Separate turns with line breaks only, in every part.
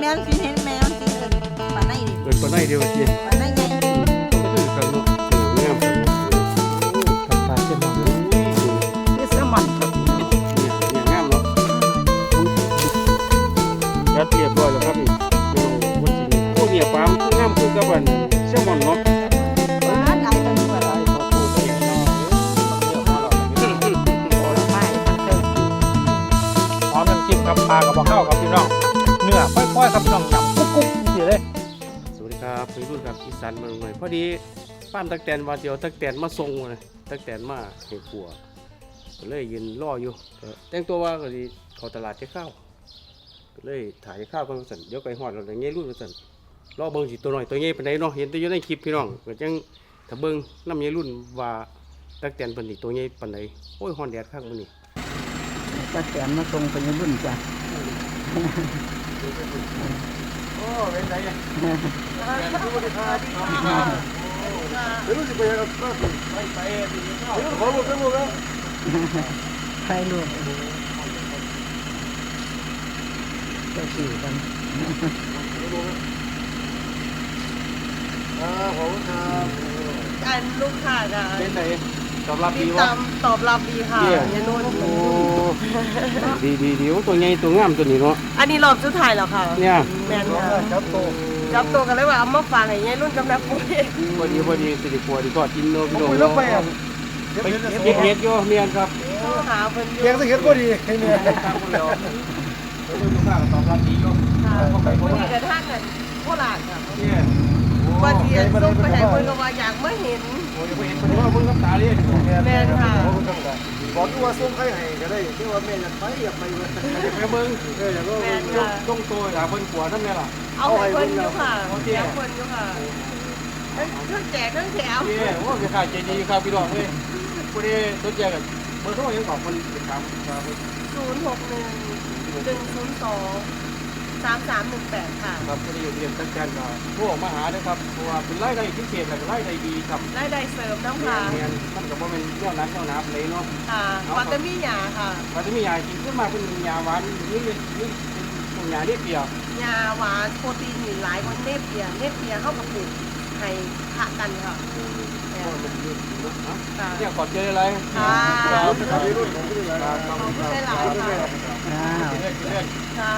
ม่นสิเห็นแมวสิปานไหนดิ
เกิดปานไหนเดียวสิ
ปานไหนใหญ่
ก็คือกันเนาะงามกันเนาะ
ผัดปลาเส้นหมอนนี่แซลมอนครับ
เนี่ยงามเนาะจัดเรียบร้อยแล้วครับนี่วันจริงโอ้เนี่ยปลามันงามคือกับอันแซลมอนเนาะ
ปานหลายตัวกว่า
ไอ้ตัวปูตัวใหญ่เนาะเดี๋ยวมาหลอกกันโอ้ละไม่เติมหอมน้ำจิ้มครับปลากับบ่อข้าวครับพี่น้องเนื้อค่อยๆครับพี่น้องจับกุ๊กๆนี่เลย
สวัสดีครับพี่รุ่นครับอีสานมาหน่อยพอดีป้านตักแตนว่าเดียวตักแตนมาส่งเลยตักแตนมาให้ปัวก็เลยยืนรออยู่แต่งตัวว่าก็ดีเข้าตลาดจะข้าวก็เลยถ่ายข้าวกันสั่นเดี๋ยวไปหอดเราอย่างเงี้ยรุ่นสั่นรอเบิ่งสิตัวหน่อยตัวเงี้ยเป็นไงเนาะเห็นแต่อยู่ในคลิปพี่น้องก็จังถ้าเบิ่งน้ำเงี้ยรุ่นว่าตักแตนเป็นอีตัวเงี้ยปานใดโอ้ยหอนแดดข้างมันนี่
ตาแสนมาส่งไปในรุ่นจ้ะ
โอ้เป็นไงเนี่ย
ไม่รู้สิไปยังไงไปขอหมดทั้งหมดแล้ว
ใครลูกเจ้าสี่กัน
ขอบคุณครับ
อันลูกค้าจ้ะ
เป็นไงตอบรับ
ติ
ดี
ด
วะ
ตามตอบรับดีค่ะยายนุ่น
โอ้ดีตัวใหญ่ตัวงามตัวนี้เนาะ
อันนี้รอบสุดท้ายแล้วค่ะ
เนี่ย
แม่นค่ะ
ครับโต
จับตัวกันเลยว่าเอามาฝากให้ยายนุ่นกับแม่ปุ้ย
พอดีสิริปัวดีก็กินเนาะพี่น้อง
คุยแล้วไปอ่ะ
ไปเก็บเห็ดอยู่เมียนครับ
หาเพิ่นอยู่
เกียงสักเห็ดก็ดีให้เนี่ย
ตามคนแล้วแล้วลูกค้าก็ตอบรับดีอยู่
ค่ะ
เข้าไป
พ
เพ
อ
ราะ
ดี
ว่า
กระทั่งกันโคราชค่ะ
เนี่ย
ว่าเทียนส่งไปให้เพิ่นก็ว่าอยากมาเห็น
โอ้ยไปเห็นเป็นว่าเพิ่งกับตาเลย
แม่นค่ะ
บอกที่ว่าส่งใครให้ก็ได้ที่ว่าแม่อยากไปอยากไปเลย
ไปเบิ่ง
อยากก็
แม่นค่ะ
ต้องโตหาเพิ่นขัวนั่นแหละล่ะ
เอาให้เพิ่นอยู่ค่ะเอาเพิ่นอยู่ค่ะเพิ่นแจกเพิ่นแถม
เนี่ยโอ้ยขายใจดีครับพี่น้องเลยพอดีสนใจกันเบอร์โทรยังบอกคนติดตามครับ
061-102-3318 ค่ะ
ครับพอดีอยู่เรียนตั้งใจก็โทรมาหาด้วยครับเพราะว่าเป็นรายได้พิเศษและรายได้ดีครับ
ได้ได้เสริมน้ำค่ะ
เรียนมันก็บ่เป็นเจ้านั้นเจ้านับเลยเนาะ
ค่ะปัตตานียาค่ะ
มันจะมียากินขึ้นมาเป็นยาหวานนี่เป็นตัวยาเรียบเปียก
ยาหวานโปรตีนมีหลายกว่าเนปเปียเข้ากับปลูกให้ขะกันค่ะแม่
ก็เป็นเรื่องนะ
ค่ะ
เนี่ยก่อนเจออะไร
ค่ะ
ครับพี่รุ่นของพี่รุ่น
ขอบคุณหลายๆค่ะ
อ้าว
เล่น
ค่ะ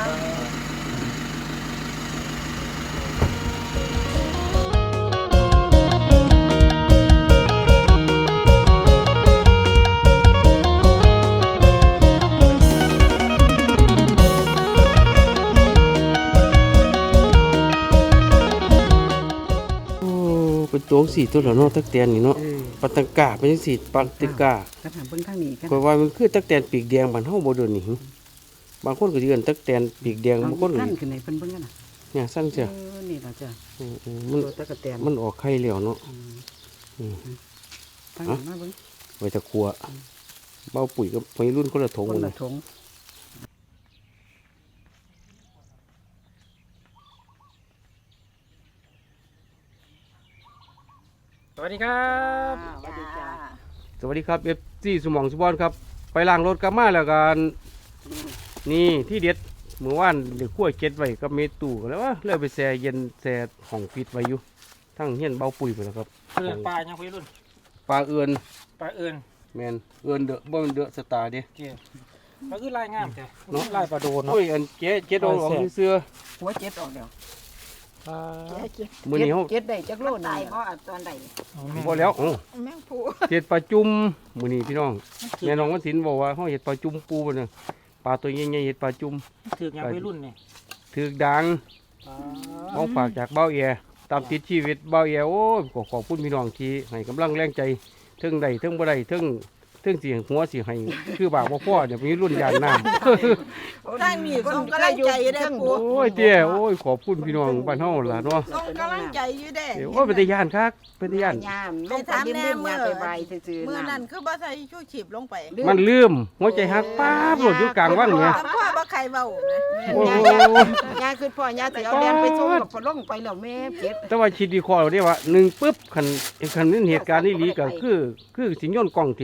โอ้เป็นตัวสีตัวละเนาะตักแตนนี่เนาะปัตตังกาเป็นสีปัตตังกา
กระถางเพิ่งข้างนี้กัน
ก็ว่ามันคือตักแตนปีกแดงบ้านเฮาบ่เดินนี่บางคนก็สิเอิ้นตักแตนปีกแดงบางคนก็
ขั้นขึ้นไหนเพิ่นเพิ่งกันน่ะ
เนี่ยสั่งเสีย
นี่ล่ะจ้ะ
มัน
ตัวตะกะแตน
มันออกไข่แล้วเนาะ
ตั้งมาเบิ่ง
ไว้ตะครัวเบาปุ๋ยกับวัยรุ่นคนละถง
คน
เล
ละ
ย
ถง
สวัสดีครับ
สวัสดีจ้า
สวัสดีครับ FC สมองสุบอนครับ ไปล้างรถกลับมาแล้วกันนี่ที่เด็ดเมื่อวานเด็กขั้วเก็ดไว้กับเมตู้กันแล้วว่าเลยไปแช่เย็นแช่ห้องปิดไว้อยู่ทั้งเฮียนเบาปุ๋ยไปแล้วครับ
คือปลายังพี่รุ่น
ปลาเอือน
ปลาเอิญ
แมนเอือนเดอะบ่แมันเดอะสตาร์เด้
เกี่ยปลาคือลายงามแท้
เนาะ
ลายปลาโดนเนาะ
โอ้ยอันเจ๊ดองเสื้อ
หัวเจ็ดออกแล้ว
ปลา
มื้อนี้เฮา
เจ็ดได้จักโล
ตา
นี่
ยเพราะตอนใด
บ่แล้วโอ้
แมงผู้
เฮ็ดปลาจุ่มมื้อนี้พี่น้องแม่น้องวันศิลป์บอกว่าเฮาเฮ็ดปลาจุ่มปูบ่เนี่ยปลาตัวใหญ่ๆเฮ็ดปลาจุ่ม
ถือกยังพี่รุ่นเนี่ย
ถึกดัง ของฝากจากเบ้าแอตามติดชีวิตเบ้าแอโอ้ยขอบคุณพี่น้องที่ให้กำลังแรงใจเทิงใดเทิงบ่ได้เทิงเสียงหัวสิให้คือบากบ่พอเดี๋ยวมีรุ่นยานน้ำ
ทางนี้ส่งกำลังใจอยู่ได้ปู
โอ้ยเตี้ยโอ้ยขอบคุณพี่น้องบ้านเฮาล่ะเนาะ
ส่งกำลังใจอยู่ได้
โอ้ยเป็นตาย่านคักเป็นตาย่าน
ยามลงไปยิ้มๆยาไปใบซื่อๆ
เมื่อนั้นคือบ่ใส่ชูชีพลงไป
มันลืมหัวใจหักป๊าบโหลดอยู่กลางว่างเนี่ย
แต่พ่อบ่ใครเว้านะ
โอ้
ยาคือพ่อยาสิเอาเรียนไปส่งกับพอลงไปแล้วแม่เจ็ด
แต่ว่าคิดดีคอเราได้ว่า1ปึ๊บคันนี้เหตุการณ์นี้หลีก็คือสิโยนกล้องถิ่มทุกอย่าง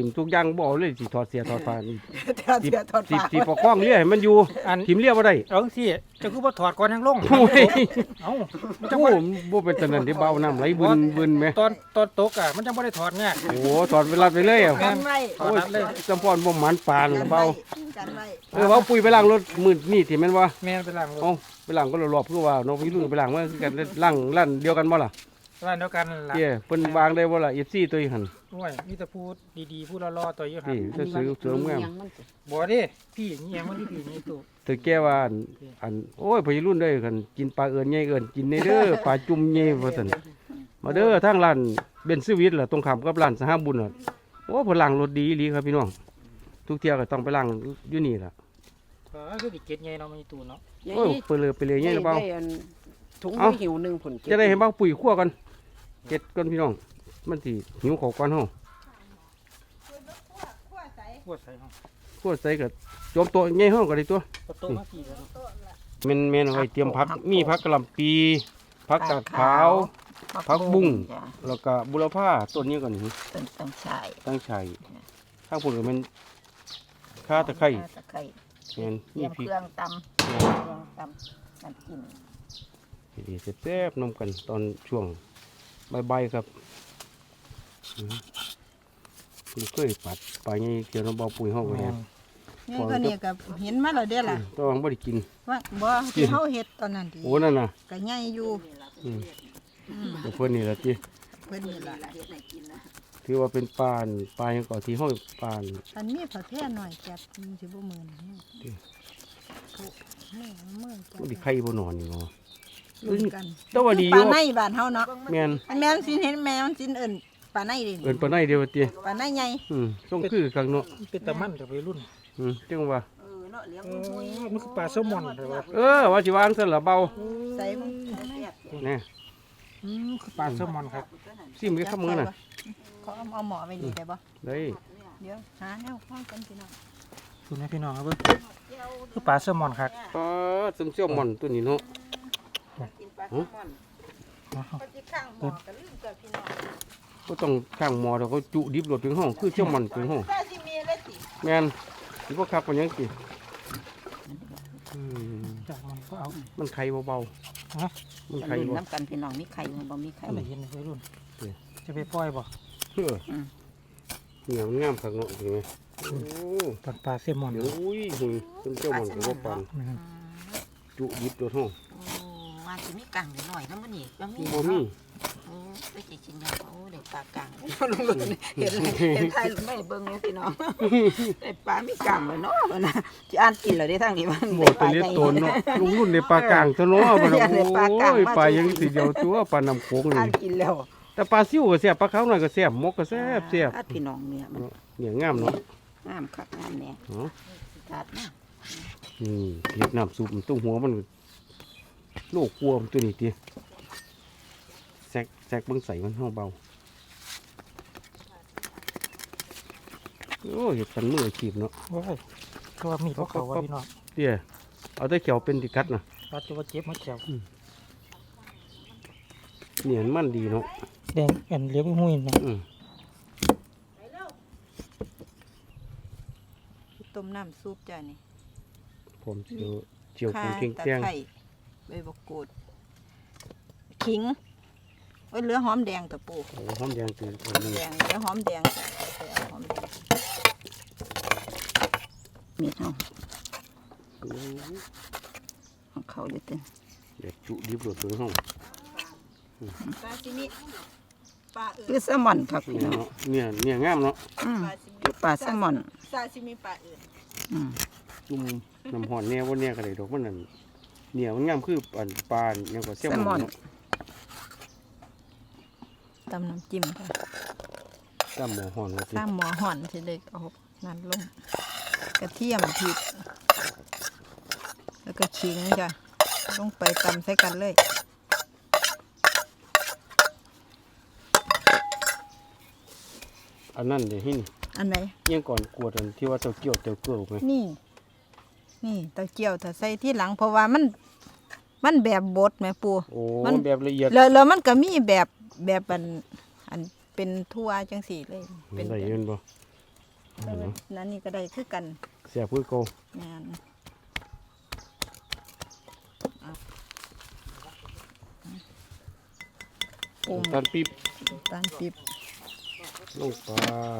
งบ่เอาเลยสิถอดเสียถอดผ้านี่
เดี๋ยวเดี๋ยวถอด
สิ
ปาก
สิประคองเลี้ยให้มันอยู่
อัน
ทิมเลี้ยบ่ได้
เอาที่จะคือว่าถอดก่อนยังลง
โอ้ย
เอ้ามันจะ
โอ้
บ่
บ่เป็นตะนั้นที่เบาน้ำไหลบึนๆแม่
ตอนตกอ่ะมันจะไม่ได้ถอดง่าย
โอ้ถอดเวลาไปเลยอ่ะ
กันไว้
ถอดรัดเลย
จำพรบ่หมันปาน
กัน
เบา
ไว้กันไว้
เบาปุ๋ยไปล้างรถมื้อนี่ที่แม่นว่า
แม่นไปล้างรถ
เอ้าไปล้างก็รอบๆคือว่าน้องพี่รุ่นไปล้างมาคือกันล้างร้านเดียวกันบ่ล่ะ
ร้านเดียวกันนั่นล่ะ
เจ้เพิ่นวางได้บ่ล่ะ FC ตัวอีหั่น
ด้วยมีแต่พูดดีๆพูดรอๆตัวอยู่หัน
นี่สวยๆงาม
บ่ดิพี่เงี้ยมันพี่นี่ตู้
เธอแก้ว่าอันโอ้ยพี่รุ่นเด้อกันกินปลาเอิ้นใหญ่เอิ้นกินในเด้อปลาจุ่มใหญ่ว่าซั่นมาเด้อทางร้านเบนซ์สวิตล่ะตรงข้ามกับร้านสหบุญน่ะโอ้เพิ่นล้างรถดีอีหลีครับพี่น้องทุกเที่ยก็ต้องไปล้างอยู่นี่ล่ะ
ก็คือดิเก็ตใหญ่เนาะมีตู้เนาะ
โอ้ยเปิดเลยไปเลยใหญ่หรือเปล่า
ถุง
เอ้า
หิวหนึ่งผล
จะได้เห็นบ่ปุ๋ยคั่วกันเก็ดก่อนพี่น้องมันสิหิวข้าวก่อนเฮา
พวดใส่ห้อง
คั่วใส่ก็โจมโตะใหญ่เฮาก็ได้ตัว
ประตูมากี่แล้ว
แม่นๆเอาไว้เตรียมผักมีผักกะหล่ำปีผักกาดขาวผักบุ้งแล้วก็บุรพาต้นนี้ก่อนนี่
ต้นตั้งชาย
ตั้งชัยข้างพุ่นก็เป็นข่าตะไคร้
ตะไคร้
แม่น
เตรี
มี
ยม
พริก
เครื่องตำเครื่องตำน้ำจิ้ม
ดีๆแซ่บๆนมกันตอนช่วงบ่ายๆครับคุณเคยปัดปลาใหญ่เกี่ยวน้ำเบาปุ๋ยเฮาก็แม่น
นี่ก็เนี่ยก็เห็นมาแล้วเด้อล่ะ
แต้องบ่ได้กิน
ว่าบ่ที่เฮาเฮ็ดตอนนั้นดี
โอ้นั่นน่ะ
ก็ใหญ่อยู่
แต่เพิ่นนี่ล่ะติ
เพิ่นนี่ล่ะ
ถือว่าเป็นปลาหยังก่อที่เฮาปลา
อันนี้ผักแพร่หน่อยแกบมันสิบ่มื้อนี้มื้อแก
บ่ได้ไข่บ่นอนนี่เนาะ
ลุ้นกัน
แต่ว่าดีอ
ปลา
ยู่
ในบ้านเฮาเนาะ
แม่น
อันแม่นสิเห็นแม่มันสิเอิ้นปลาในดิ
เอิ้นปลาในเดียวว่าติ
ปลาในใหญ่
ต้องคือคักเนาะ
เป็นตะมันกับวัยรุ่น
จังว่า
มันคือปลาแซลมอนใช่ป่ะ
ว่าสิวางซั่นล่ะเบา
ใส่มัน
แน่
คือปลาแซลมอนครับ
ซิมไปครับมื้อน่ะ
เขาเอาหมอไว้นี่ได้บ่
ได้
เดี๋ยวหาแนวข้องกันพี่น้อง
คุณให้พี่น้องครับเบิ่งคือปลาแซลมอนครับ
ปลาซึมเซี่ยวหม่อนตัวนี้เนาะ
กินปลาแซลมอนปฏิข้างหมอก็ลืมกับพี่น้อง
ก็ต้องข้างหมอแล้วเขาจุดิบรถถึงห้องคือเซี่ยวหม่อนถึงห้อง
ถ้าสิมีเลยสิ
แม่นสิบ่คักปานหยังติอืม
จากมันก็เอา
มันไข่เบา
ฮะ
ๆมัน
จะ
ไข่
ลืม
บ่
น้ำกันพี่น้องมีไข่บ่มีไข่
อะไรเห็นวัยรุ่นจะไปปล่อยบ่
เฮ้อเนี่ยมันงามคักเนาะเห็นไหมโอ้
ปลาแซลมอน
เดี๋ยวอุ้ยหุ่นซึมเซี่ยวหม่อนก็บ่ปานจุดิบรถห้อง
ว่าสิมีกังหน่อยนะมื้อนี้บ่มี
บ่มี
ไปสิกินแล้วโอ้ได้ปลากังเห็นไทยไม่เบิ่งเลยพี่น้องได้ปลามีกังเลยเนาะบ่นะสิอ่านกินแล้วได้ทางนี้มัน
บ่ตัวเล็กโตนเนาะลุงรุ่นในปลากลางซะเนาะบ่ล่ะโอ้ยปลายังสิเดียวตัวปลาน้ำโขง
อ่า
นี่
นกินแล้ว
แต่ปลาซิวก็แซ่บปลาขาวหน่อยก็แซ่บหมกก็แซ่บ
พี่น้องเนี่ยมัน
เนี่ยงามเนาะ
งามคักงามแน่
เนาะ
ถาดนะ
นี่เฮ็ดน้ำซุปตุ้งหัวมันโลกกลัวมันตัวนี้ติแซกเบิ่งใส่มันเฮาเบาโอ้เฮ็ดกันมืออาชีพเนาะ
โอ้ยก็ว่ามีพวกเขาว่าพี่น้อง
เตี้ยเอาแต่เขียวเป็นติกัดน่ะ
ปลาตัวเจ็บมาแขว
เนี่ยมันดีเนาะ
แดงอันเลี้ยงหุ้ยนะ
ต้มน้ำซุปจ้านี่
ผมเจียวปูเคียง
ตะ
แตง
ไคร้ใบมะกรูดขิงไว้เหลือหอมแดงตะปู
โอ้หอมแดงคืออันนี้
แดงเหลือหอมแดงจ้ะไปเอาหอมแดง
มีเฮา
โอ้
ของเขาอยู่เต็ม
เด็ดจุดิบรสถึงห้อง
ปลาซิมิปลาเอิ
คือแซลมอนครับพี่
เนี่ย
น้อง
เนาะเนี่ยงามเนาะ
ปลาซิมิ
คือปลาแซลมอน
ซาซิมิปลาเอิญ
จุ่มน้ำหอนแน่ว่าเนี่ยก็ได้ดอกมันนั่นเนี่ยมันงามคืออันปลายังกว่าแซลมอนเนาะ
ตำน้ำจิ้มค่ะ
ตำหมอหอนว่าสิ
ข้ามหมอห่อนสิเลยเอานั่นลงกระเทียมพริกแล้วก็ขิงจ้ะลงไปตำใส่กันเลย
อันนั้นเดี๋ยวหิน
อันไหน
ยังก่อนกวดอันที่ว่าเต้าเกี่ยวเต้าเกลือไหม
นี่เตาเจียวถ้าใส่ที่หลังเพราะว่ามันแบบบดแม่ปู
โอ้
มัน
แบบละเอียด
แล้วมันก็มีแบบอันเป็นทั่วจังสี่เลยเป็น
ได้เงินบ่
นั่นนี่ก็ได้คือกัน
เสียบคือเก่า
แม่น
น้ำตาลปี๊บ
ตาลปี๊บ
ลงไป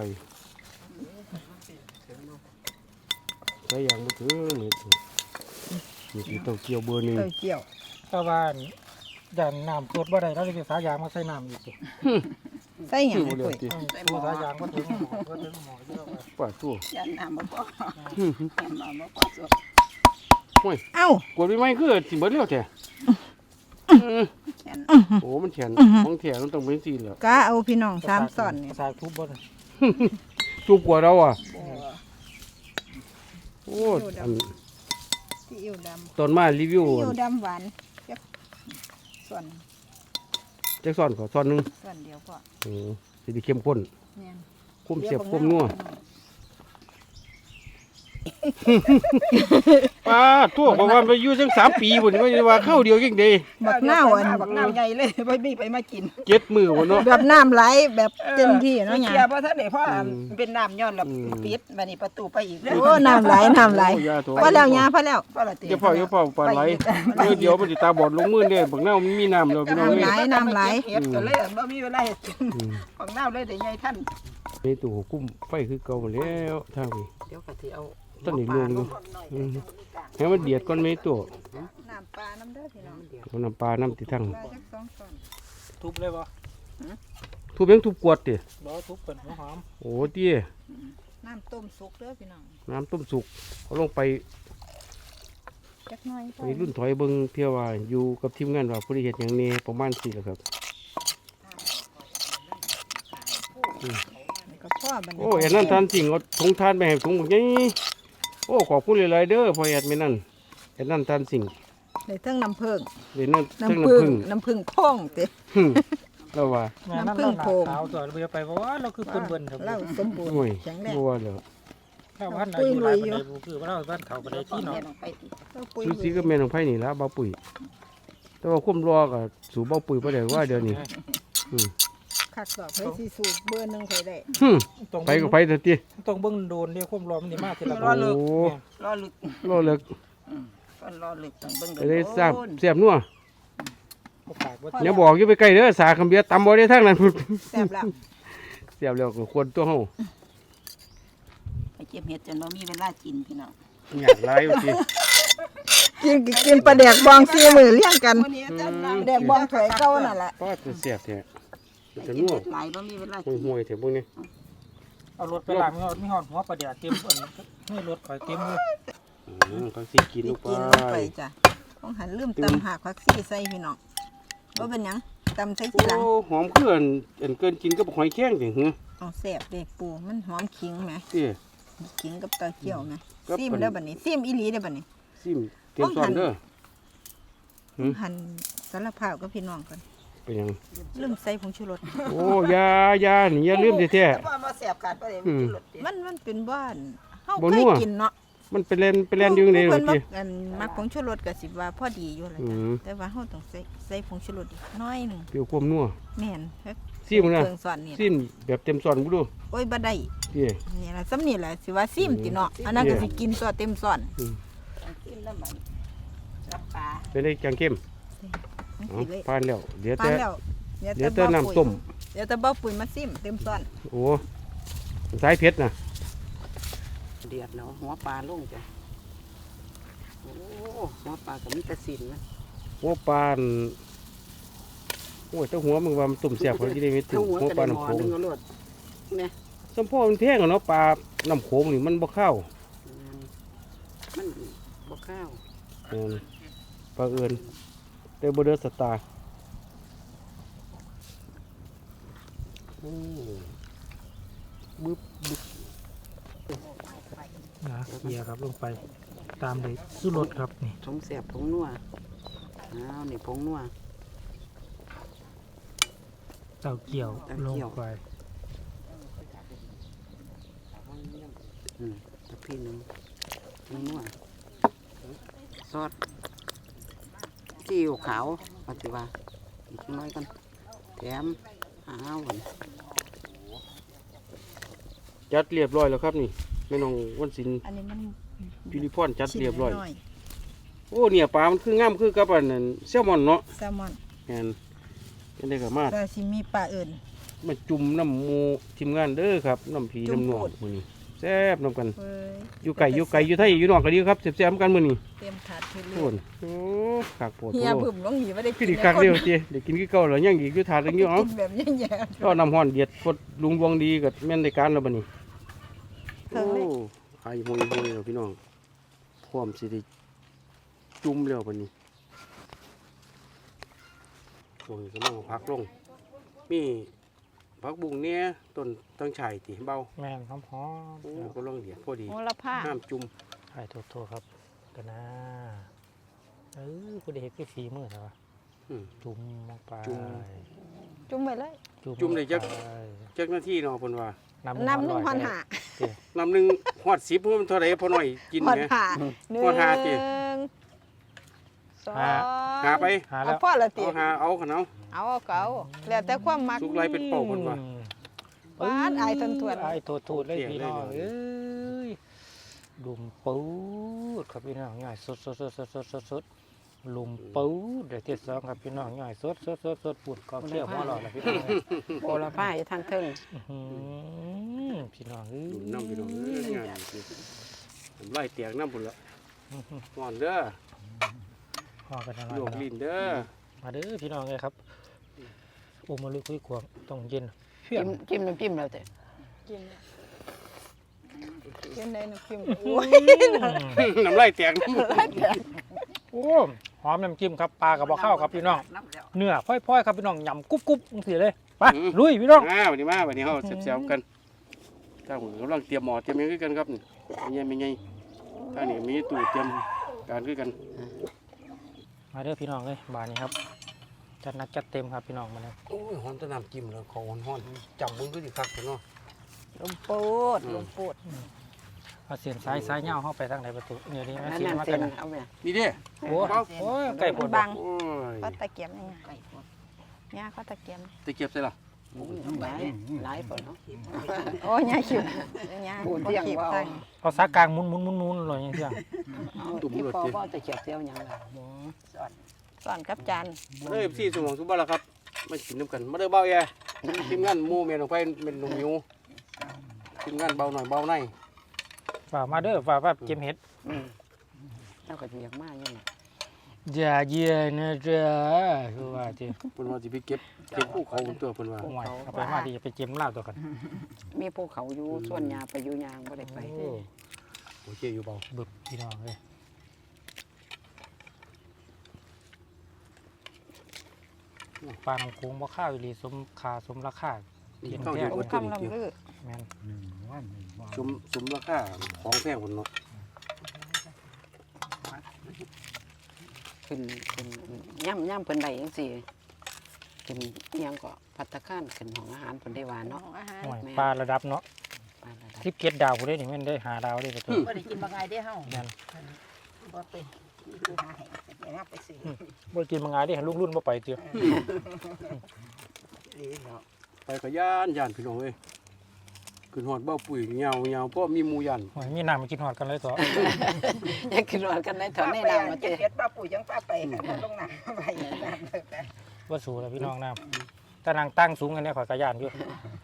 ใส่อย่างบ่ถึงนี่คือเต้าเกี๊ยวเบอร์หนึ่ง
เต้าเจี้ยว
แต่ว่าย่านน้ำตรวจบ่ได้เราเลยไปสายางมาใส่น้ำอีกสิ
ใส่หยัง
บ่
ไอ้
เหลือ
ปุ้ย
ติ
ตัวสายางก็ถึงหมอก็ถึงหมอเยอะไป
ป้าตัว
ยันน้ำบ่พอน้ำบ่พอสุด
โอ้ย
เอ้าก
ดไปไหมคือสิเบิดแล้วแท้
แขน
โอ้มันแขนของแท้มันต้องเป็นสีแล้ว
กะเอาพี่น้อง3ซ่อนนี่
สายทุบบ่ได้
จุกกว่าเราอ่ะ
บ่
โอ้อัน
ซีอิ๊วดำ
ตอนมารีวิว
ซีอิ๊วดำหวานจักส่วน
จักซ่อนขอซ่อนหนึง
ส่วนเดียวพอ
โอ้สิได้เข้มข้น
แม่น
คุ้มเสียบคุ้มนัวป้าทั่วบอกว่าไปอยู่จัง3 ปีพุ่นว่าว่าเข้าเดียวจังได๋
บักนาวอันบักนาวใหญ่เลยบ่มีไปมากิน
7 มื้อพุ่นเนาะ
แบบน้ำไหลแบบเต็มที่เนาะห
เค
ยัง
ลียร์บ่ทันได้เพราะ
เป็นน้ำย้อนแล้ว
อืม
ปิดบัดนี้ประตูไปอีกโอ้น้ำไหลน้ำไหล
โอ้ยาโถ
พอแล้วยาพอแล้ว
ก็ละติ
เดี๋ยวพ่อปลาไหลเดี๋ยวมันสิตาบอดลงมือเด้บักนาวมันมีน้ำแล้วพี่น้อง
น้ำไหล
เอ้ย
น้ำไหล
เฮ็ดก็เลยบ่มีเวลาเฮ็ดกิน
อืม
ของน้าเลยได้ใหญ่ท่าน
ในตู้กุ้มไฟคือเก่าแล้วทางนี้
เดี๋ยวก็สิเอา
ต้นนี้ลงอยู่อืมให้มันเดือดก่อนไหมตัว
น้ำปลาน้ำเด้อพี่น้อง
เอาน้ำปลาน้ำติทั้ง
ปลาจัก2ช้อน
ทุบเลยบ่
ทุบยังทุบกวดติ
บ่ทุบเป็นหัวหอม
โอ้เตี้ย
น้ำต้มสุกเด้อพี่น้อง
น้ำต้มสุกเอาลงไป
จักหน่อยพอ
ไปรุ่นถอยเบิ่งเที่ยวว่าอยู่กับทีมงานว่าผู้ใดเฮ็ดหยังแหน่ประมาณ4แหละครับ
นี่ก็พ่อบัดนี้
โอ้อันนั้นทานจริงเอาถุงทานไปให้ถุงบักใหญ่โอ้ขอบคุณหลายๆเด้อพ่อแอดแม่นั่นอันนั้นทานสิ่ง
ได้เทั้งน้ำผึ้ง
เดี๋ยวนั้นทั้ง
น้ำผึ้ง
น้ำผึ้ง
น้ำผึ้งพ่องเด้
หึแล้วว่า
แม่น้ำ
น้ำผึ้
เรา
ง
หนา
โพง
ขาวตัวเราไปว่าเราคือคนเบิ่นครับ
เราสมบูรณ์
โอ้ย
แข็งแรง
บ่ว่าแล้ว
เราพันอายุหลายปานใดบ่คือว่าเราบ้านเขาปานใดที่เนาะ
เราปุ๋ย
ซูซีก็แม่นของไผนี่ล่ะเบาปุ๋ยแต่ว่าความรอก็สู่เบาปุ๋ยบ่ได้ว่าเดี๋ยวนี้
คักดอกเฮ้ยสิสูบเบอร์หนึงค่อยได้
หึ
ตรง
ไปก็ไปเถอะติ
ตรงเบิ่งโดนเรียกความร้อนมันนี่มากทีละ
โอ้
รอลึก
รอเลิก
ก็รอลึกต้องเบิ่ง
ไปได้ทราบเสียบนัว
บ่ปากบ่
อย่าบอกอยู่ไปไกลเด้อสาคำเบียร์ตำบ่ได้ทางนั้นพุ่น
แซ่บแล้ว
เสียบแล้วก็ควรตัวเฮา
ไปเก็บเห็ดจนบ่มีเวลากินพี่น้อง
อยากหลายว่าติ
กินปลาแดกบอง4มื้อเลี้ยงกัน
มื้อนี้อาจารย์
ปลาแดกบองถ้วยเก่านั่นแหละ
ป้าจะเสียบแท้
ไป
จะ
เก็บ
นัว
เห็ดหลายบ่มีเวลากิน
ห่วยๆแท้พวกนี้
เอารถไปล้างมีหอดหัวปลาเดี๋ยวเต็มเอิ้นให้รถข่อยเต็มเลย
เขาสิกินลงไป
กินลงไปจ้ะต้องหันลืมตำหากผักซี่ใส่พี่น้องว่าเป็นหยังตำใส่ทีหลัง
โอ้หอมเครื่องอันเกินกินกับหอยแข้งจังหือ
เอาแซ่บเด็กปูมันหอมขิงไหม
เตี้ย
ขิงกับตะเกียวไหม
กับ
ซิมแล้วบัดนี้ซิมอีหลีได้อบัดนี้
ซิมเตรียมซ้อนเด้อ หืม
หั่นสารพาวกับพี่น้องกัน
เป็นหยัง
ลืมใส่ผงชูรส
โอ้ยานี่อย่าลืมแท้
ว่ามาแสบกัดบ่ได้มีกินรสเด้
มันเป็นบ้านเฮา
บ่
เค
นั
ยว กินเนาะ
ๆมันเป็นแลนอยู่ใน
เพิ่
นี่
น
ติ
มักผงชูรสก็สิว่าพอดีอยู่ล่ะ
อื
จ้ะ
ม
แต่ว่าเฮาต้องใส่ผงชูรสอีกน้อยหนึง
เปรี้ยวความนัว
แม่นเฮ็ด
ซิมนะ
เครื่องสอนนี่
ซิมแบบเต็มซ้อนบ่ดู
โอ้ยบ่ได้
เตี้ย
นี่ล่ะซ้ำนี่แหละสิว่าซิมติเนาะอันนั้นก็สิกินตัวเต็มซ้อน
กินแล้วมันรับปลา
เป็นได้จังเข้ม
จัง
เอา
ซี่เลย
ผ่านแล้วเดี๋ยว
ปา
แต่
นแล้ว
เดี๋ยวแต่น้ำต้ม
เดี๋ยวแต่บ่ปุ๋ยมาซิมเต็มซ้อน
โอ้สายเผ็ดน่ะ
เดือดเนาะหัวปลาลงจ้ะโอ้หัวปลาก็มีแต่สินนะ
หัวปลาอั่นโอ้ยแต่หัวมึงว่ามันตุ่มแซ่บเขาสิได้มีตุ่
ถ้าม หัว
หัว
ก็
ปลา
ได้หม
น้ำ
อ
โขง
หนึงเอาโลดเนี่ย
สมพ่อมันแพงอะเนาะปลาน้ำโขงนี่มันบ่เข้า
มันบ่ข้าว
ปลาเอิญแต่บ่เดือดสตาร์โอ้บึ๊บบึ๊บ
นะเกียร์ครับลงไปตามเลยสู้รถครับนี่
ผงแสบผงนัวอ้าวนี่ผงนัว
เต้าเกี่ยว
เต้า
ลง
เกี่ยว
ไป
ตะพี่หนึงผงนัวซอสซีอิ๊วขาวปฏิว่าอีกน้อยกันแถมอ้าว
จัดเรียบร้อยแล้วครับนี่แม่น้องวันศิลป์
อันนี้มัน
จุลิพรจัดเรียบร้อย
น้อย
โอ้เนี่ยปลามันคืองามคือกับอันนั้นแซลมอนเนาะ
แซลมอน
แม่นเป็นได้ก็มา
แต่สิมีปลาอื่น
มาจุ่มน้ำหมูทีมงานเด้อครับน้ำผี
จุ่ม
น้ำหนอง
โพด
มื้อนี้แซ่บน้ำกัน
เว้ย
อยู่ไก่อยู่ไทยอยู่นอกก็ดีครับแซ่บๆกันมื้อนี้
เต็มถาดทุ
โอ้นโอ้ขากโปวด
เฮีย
โอ้
บึ้มลงหีบ่ได้
คือดีคักเดียวเจ้ได้กินคือเก่าแล้วยังอีกอยู่ถาดนึงอยู่เอ้า
กินแบบแย่
ก็น้ำฮ้อนเดือดพดลุงดวงดีก็แม่นได้การแล้วบัดนี้
เครื่องเลย
โอ้หายโมยแล้วพี่น้องพร้อมสิได้จุ่มแล้วบัดนี้โอ้ยกำลังพักลงมีผักบุ้งเนี่ยต้นตั้งฉ่ายติเบา
แม่นหอม
โอ้ก็ลองเดียดพอดี
โหระพา
น้ำจุ่ม
ๆให้โทษครับกันนะผู้ใดเฮ็ดคือฝีมือเหรอวะ
อืม
จุ่มลงไป
จุ่ม
จุ่มไปเลย
จุ่มได้จัก
ลงไป
จักหน้าที่เนาะเพิ่นว่า
น้ำ1,500
น้ำหนึงฮอด10เพิ่นเท่าไหร่พอหน่อยกิน
หอด
แหม
หา
หอดหาติ
สอง
หาไป
หา
เอา
แล้ว
พ่อละติ
เอาหาเอาขนาด
เอาเก่าแล้วแต่ความมัก
สุกไรเป็นเป่าเพิ่นว่า
หวานอายทนทวน
ไอ้โทษเลยพี่น้อง
เสียงเลย
เอ้ยลุมปูดครับพี่น้องง่ายสดลุมปูดเดี๋ยวที่สองครับพี่น้องง่ายสดปูดกองเชี่ยวหัวหลอดแล้วพี่น้อง
โอละพาอยู่ทางเทิง
พี่น้องเอ้ย
ดุนน้ำพี่น้องเอ้ยงานนี่ผมไล่เตียงน้ำพุ่นละหอนเด้อ
พอกันนะ
โยกลิ้นเด้อ
มาเด้อพี่น้องเลยครับโอ้มาลุยคุยขวางต้องเย็นเพี้ย
จิ้มน้ำจิ้มแล้วแต่กินได้น้ำจิ้มโอ้ย
น้ำไล่เตียงน้ำ
โอ้หอมน้ำจิ้มครับปลากับบ่อข้าวครับพี่น้องเนื้อพ่อยๆครับพี่น้องยำกรุบๆเสียเลยไปลุยพี่น้อง
วันนี้เขาเสียบๆกันถ้าผมกำลังเตรียมหมอเตรียมหยังคือกันครับนี่ไม่ไงถ้านี่มีตู้เตรียมการคือกัน
มาเด้อพี่น้องเลยบานนี้ครับจัดหนักจัดเต็มครับพี่น้องมาเลย
โอ้ยหอมแตะน้ำจิ้มแล้วเขาหอนๆจำมึงก็สิคักเนาะ
ลมปูดลมปูด
เอาเสียนซ้ายเงาเข้าไปทางไหนประตูเนี่ยนี่มา
นั่น
เสียน
นั่น
มา
เส้
กัน น
เอาไป
นี่เด้
โอ้โหไก่ปวด
บัง
โอ้ย
ก็ตะเกียบนี่ไงย่าก็ตะเกียบ
ตะเกียบใส่ละ
หลายคนเนาะโอ้ยย่าขิวย่าเที่ยงว่า
เอาสากลางหมุนเลยอย่างเงี้ย
ตุ่มรถ
พอ
จี
ว่าตะเกียบเที่ยวยังสอนกับจาน
มาเด้อพี่สมองทุกบ้านละครับมากินน้ำกันมาเด้อเบาแย่ทีมงานหมู่เมียนออกไปเป็นลุงยูทีมงานเบาหน่อยเบาใน
ฝ่ามาเด้อฝ่าเก็บเห็ด
เจ้าก็จะอยากมาอยู่
อย่าเย็นนะจ๊ะคือว่าจี
เพิ่นว่าสิไปเก็บภูเขาบนตัวเพิ่นว่า
โอ้ยเอาไปมาดีไปเก็บลาบตัวกัน
มีภูเขาอยู่ส่วนยาไปอยู่ยางบ่ได้ไป
โอเคอยู่เบา
บึบพี่น้องเลยปลาน้ำโขงบ่ข้าวอีหลีสมคาสมราคา
ต้องอยู่
โอ้
บนตัว
คำ
นี้
ลำลือ
แม่น
สมราคาของแพงคนเนาะ
ขึ้นย่ำเพิ่นได้จังซี่ขึ้นอิหยังก็ภัตตาคารขึ้นของอาหารเพิ่นได้ว่าเนาะ
โอ้ยปลาระดับเนาะ
ปลาระดับ
17 ดาวผู้ใดนี่แม่นได้5 ดาวได้ประตู
บ่ได้กินบ่ไงได้เฮา
แม่น
บ่เป็นผู้หาให้อย่าไปซื้อ
บ่กินมาง่ายเด้ลูกรุ่นบ่ไปเตียว
ไปก็ย่านพี่น้องเอ้ยขึ้นฮอดเบ้าปุ๋ยเงาเพราะมีหมู่ยัน
โอ้ยมีน้ำมากินฮอดกันเลยตัว
อยากขึ้นรถกันได้ถอนในน้ำมาเจอ
ป้าปู่ยังป้าไปลงหนังไปน้ำเลยกัน
ว่าสูแล้วพี่น้องน้ำถ้านางตั้งสูงกันเนี่ยข่อยกระยานอยู่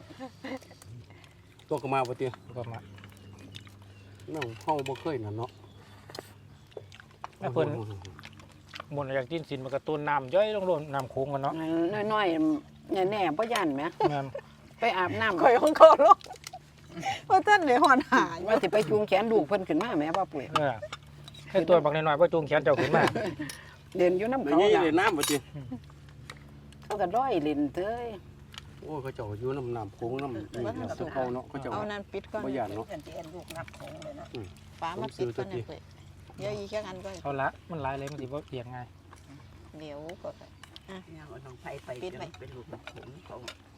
ตัวก็มาบ่เตี้ย
ก็มา
น้องเฮาบ่เคยนั่นเนาะ
แม่เพิ่นบนอยากกินสินมันกระตุ้นน้ำย่อยลงโลนน้ำโค้งกันเนาะ
น้อยๆแน่ๆบ่ย่านแหม
แม่น
ไปอาบน้ำ
ข่อยของเขาลงว่าท่านเดี๋ยวหอนหาย
ว่าสิไปจูงแขนลูกเพิ่นขึ้นมาแหม่ป้าปุ๋ย
ให้ตัวบักน้อยๆว่าจูงแขนเจ้าขึ้นมา
เดินอยู่น้ำ
แล้ว
เขา
นี่
น่ะ
เลยน้ำบ่เตี้ย
เขาก็ร้อยเล่นเต้ย
โอ้เขาเจ้าอยู่น้ำโค้งน้ำนี่สะเปาเนาะเขาเจ้า
เอานั่นปิดก่อน
บ่ย่านเนาะ
เพื่อนที่เอ็นลูกนับของเลยนะ
ฟ้ามาปิดก่อนนะเพิ่นเดี๋ยวอีกแค่อันก็
เอาละมันหลายเลยมันสิบ่เอียงไง
เดี๋ยวก็
เนี่ยเอาน้องไผ่ไปเป็นลูกนับของเขา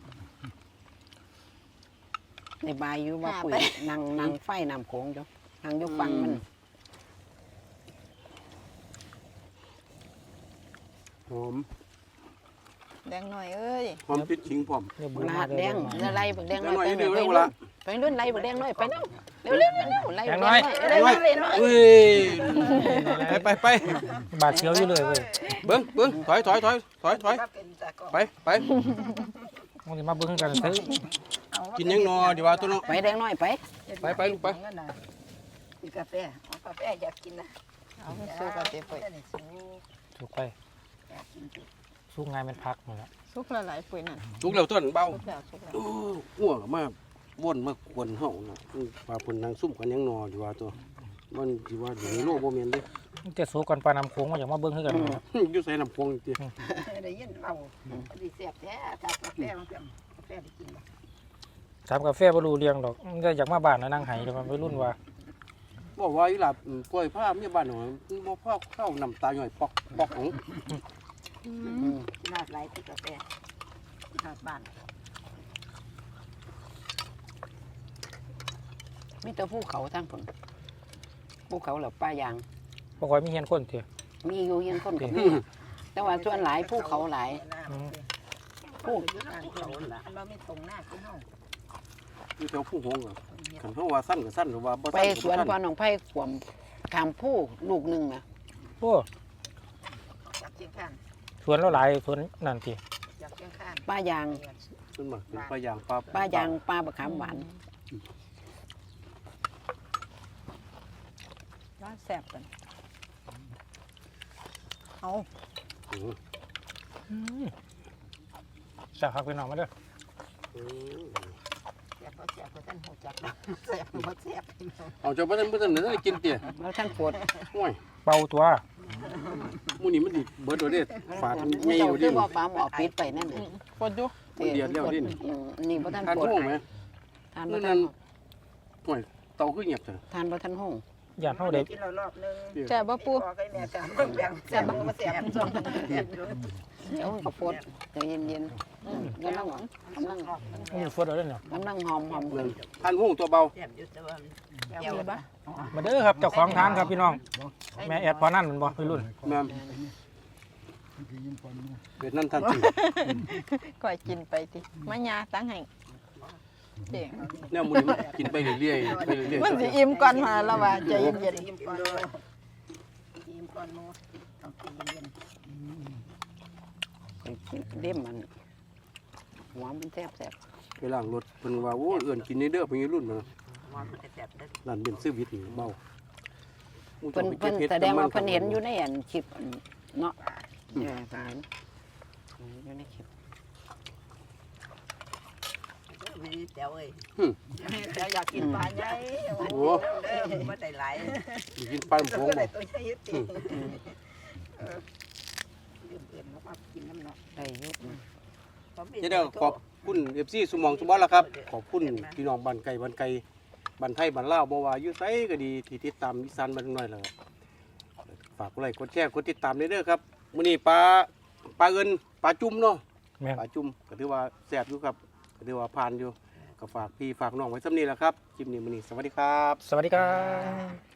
ในบายอยู่ว่าปุ๋ยนั่งไฟน้ำโขงอยู่นั่งอยู่ฟังมัน
หอม
แดงหน่อยเอ้ย
หอมติดขิงพร้อม
เนื้อบู
ลาดแดงเนื้อไรบักแดง
แด
น้
ง
อย
น้อย
ไป
นิดเดียว
ไป
เร็ว
รุ่น
ละ
ไปรุ่นไรบักแดงน้อยไปเร็วเร็วเร็วเร็วไรบักแดงน้อยเร็วเร็ว
เฮ้ยไป
บาดเชียวอยู่เลยเว้ย
เบิ้งถอยไป
มันจะมาเบิ่งกันซื้อ
กินยังนอดีว่าตัวน้อง
ไปแดงน้อยไป
ไปลูกไป
กินกาแฟเอากาแฟอยากกินนะเอาสู้กาแฟไป
ถูกไปสู้งานเป็นพักหมดแล้ว
สุกละหลายปุ๋ยนั่น
ลูกแล้วต้นเบา
สุกแล้วสุกแล้ว
หัวมาวนมาควนเฮาน่ะปลาเพิ่นนางซุ่มกันยังนอดีว่าตัวมันสิว่าอยู่ในโลกบ่แม่นเด้
มันจะสู้กันปลาน้ำโค้งมาอยากมาเบิ่งคือกันนะครับ
อยู่ใส่น้ำพวงติ
ได้ยินเบาดีเสียบแท้กาแฟมันกาแฟได้กิน
ถามกาแฟบ่รู้เรื่องดอกมันก็อยากมาบ้านนะนั่งไห้แล้วมันไปรุ่นว่า
บอกว่าอีหลับกล้วยผ้ามีบ้านหน่อยบ่พอเข้าน้ำตาหน่อยปอกของ
นาดไหลที่กาแฟนาดบ้านมีแต่ภูเขาทั้งผลภูเขาเหล่าป้ายาง
บ่ค่อยมีเฮียนคนเถอะ
มีอยู่ยังคนกับมีแต่ว่าส่วนหลายภูเขาหลาย
อืม
ภูเขาเราไม่ตรงหน้าขึ้นห้อง
อยู่แถวผู้หงส์อ่ะคันเฮาว่าสั้นก็สั้นหรือว่าบ่
ไป
สั้น
สวนพอหนองไผ่ขวมขามผู้ลูกหนึ่งนะ
โอ้
จากเชียงคาน
สวนเราหลายสวนนั่นติ
จากเชียงคานป้ายาง
ขึ้นมาเป็นปลายางปลา
ป้ายางป้าบะขามหวานร้านแซ่บกันเอา
จากพักไปน้องมาเด้อ
แซ่บก็แซ่บก็ท่านหัวจักแซ่บก็แซ่บ
เอาเจ้าบ่ทันได้กินเตี้ย
แล้วท่านปวด
โอ้ย
เป่าตัว
มื้อนี้มันสิเบิดโดเด้ฝาดใหญ่
เจ้า
อยู่
คื
ดิ
อว่าปลาหมอปิดไปนั่นน่ะปวดอยู่
มันเดือดแล้วดิ
นี่บ่ท่าน
ทาน
ปวด
ห้องไหม
ทานบ่ท่าน
โอ้ยเตาคือเงียบจัง
ทานบ่ท่านห้อง
ย่านเฮาได้
กินรอบนึง
แซ่บบ่ปู
แซ่บบ่มาแซ่บเดี๋ยวก็ปวดใจเย็นๆกำลัง
มีฝนเอาเด้อเนี่ย
กำลังหอม
ทานห้องตัวเบา
แซ่บอยู่แต่ว่า
เกี่ยวบ่
มาเด้อครับเจ้าของทานครับพี่น้องแม่แอดพอนั่นมันบ่ไปรุ่น
แม่นเป็นนั่นทันที
ก่อยกินไปติมายาตั้งให้เด้ง
แนวมื้อนี้มันกินไปเรื่อยๆไปเรื่อย
มันสิอิ่มก่อนมาแล้วว่าใจเย็น
อิ่มก่อนอิ่มก่อนโมต้องกินเย็นเด้มมันหัวมันแซ่บ
ๆไปล้างรถเพิ่นว่าโอ้เอื้อนกินนี่เด้อเพิ่นรุ่นมา
ว่ามันจะแซ่บได้
ร้านเบนซื้อวิทย์นี่เบา
เพิ่นแสดงว่าเพิ่นเห็นอยู่ในอันคลิปเนาะเพิ่นเห็นอยู่ในคลิป
ไม่ได้แจ๋วเอ้ย
แต่อยากกินปลาใหญ่
โอ้
ไม่ได้หลาย
กินปลาหมงบ่
ได้ยุบ
จะได้ขอบคุณ FC สุมองสุบอลล่ะครับขอบคุณพี่น้องบ้านไก่บ้านไทยบ้านลาวบ่ว่าอยู่ไสก็ดีที่ติดตามอีสานบ้านน้อยล่ะฝากกดไลค์กดแชร์กดติดตามเด้อครับมื้อนี้ปลาเอิ้นปลาจุ่มเนาะ
แม่น
ปลาจุ่มก็ถือว่าแซ่บอยู่ครับก็ถือว่าผ่านอยู่ก็ฝากพี่ฝากน้องไว้สำนี้แหละครับคลิปนี้มื้อนี้สวัสดีครับ
สวัสดีครับ